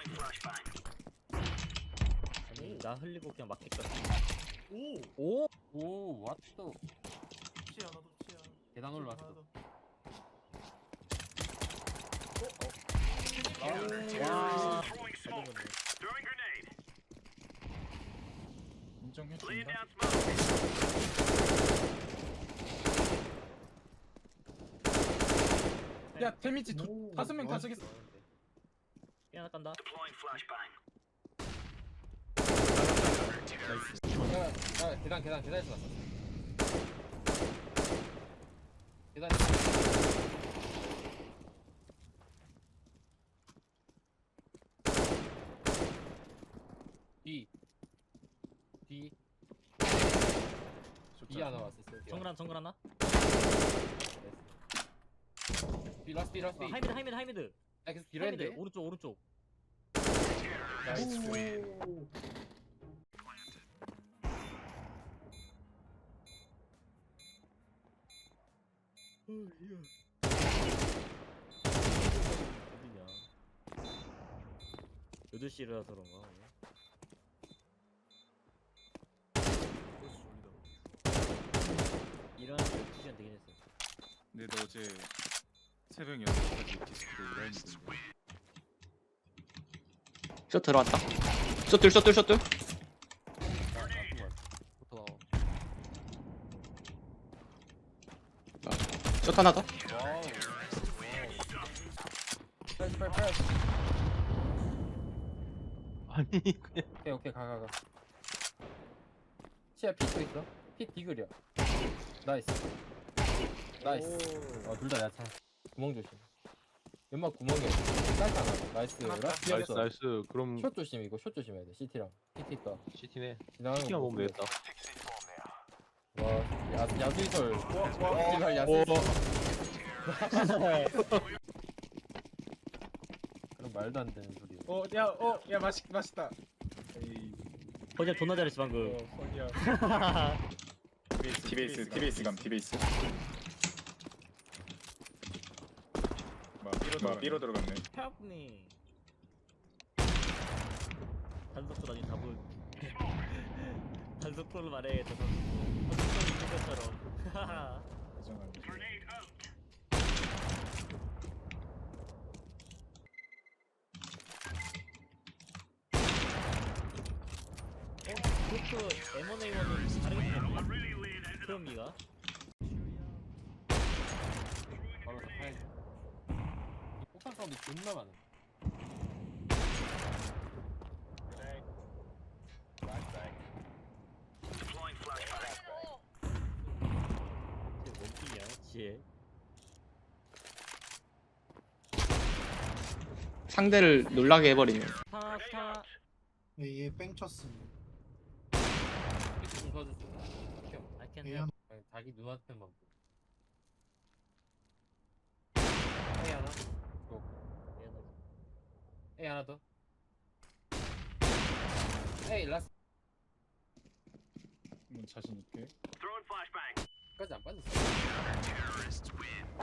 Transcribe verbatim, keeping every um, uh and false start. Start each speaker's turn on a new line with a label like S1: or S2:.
S1: 아니 나 흘리고 그냥 막 했거든.
S2: 오!
S3: 오! 오, 왓또
S2: 치아 나도 치아.
S3: 계단 올라왔어.
S1: 와.
S2: 인정해준다. 야 데미지 두, 다섯 명 다 저기서.
S1: 삐 하나 깐다.
S3: 야, 야, 계단, 계단, 계단에서 왔어. 계단. B. B. B 하나 왔었어.
S1: 정글 하나 정글 하나.
S3: B 라스 B 라스 B.
S1: 어, 하이미드 하이미드 하이미드.
S3: 야, 계속 뒤로
S1: 하이미드
S3: 했는데.
S1: 오른쪽 오른쪽.
S3: 나이스.
S1: 어디냐? 여덟 시라서 그런가? 오늘? 일어나서 열두 시간 되긴 했어.
S4: 근데 너 어제 새벽 여섯 시까지 디스플레이 일했는데
S5: 셔 들어왔다. 셔틀 셔틀 셔틀. 셔 하나 더.
S3: 와우. 패스 패스 패스.
S5: 아니 그냥
S3: 오케이 오케이 가 가 가. 시야 핏도 있어. 핏 디글이야. 나이스. 나이스. 어 둘 다 야차. 구멍 조심. 연막 구멍에 짧다 하나. 나이스. 라스트
S5: 나이스
S3: 피었어.
S5: 나이스. 그럼
S3: 숏 조심 이거 숏 조심해야 돼. 시티랑 피티 있다.
S5: 시티네.
S3: 지나가는
S5: 시티만
S3: 거
S5: 보면
S3: 보고.
S5: 되겠다.
S3: 와 야, 야수이설. 제발
S5: 오.
S3: 야수이설. 그럼 말도 안 되는 소리.
S2: 어, 야, 어, 야 맛있 맛있다. 에이,
S1: 거짓 존나 잘했어 방금.
S2: 어, 선이야.
S4: 티베이스 티베이스 감 티베이스 뭐 B로 들어갔네.
S1: Help me. 단속도 나중에 답을 단속도를 말해야겠다. 단속도 있는 것처럼.
S4: 인정하네.
S1: 그것도 엠 원 에이 원은 다르게 생겼나? 크롬기가?
S3: 바로 다 파야지. 이 폭탄 사운드 존나 많아.
S1: 쟤 원픽이야 지혜.
S5: 상대를 놀라게 해버리네.
S1: 스타 스타.
S2: 얘뺑 쳤음.
S3: 피티 좀 도와줄 수 있나?
S1: I can
S2: 얘
S1: help.
S2: 한
S3: 아니, 자기 눈앞에만 보고. A 하나. 고. A 하나 더. A 라스.
S4: 음, 자신 있게.
S3: 끝까지 안 빠졌어.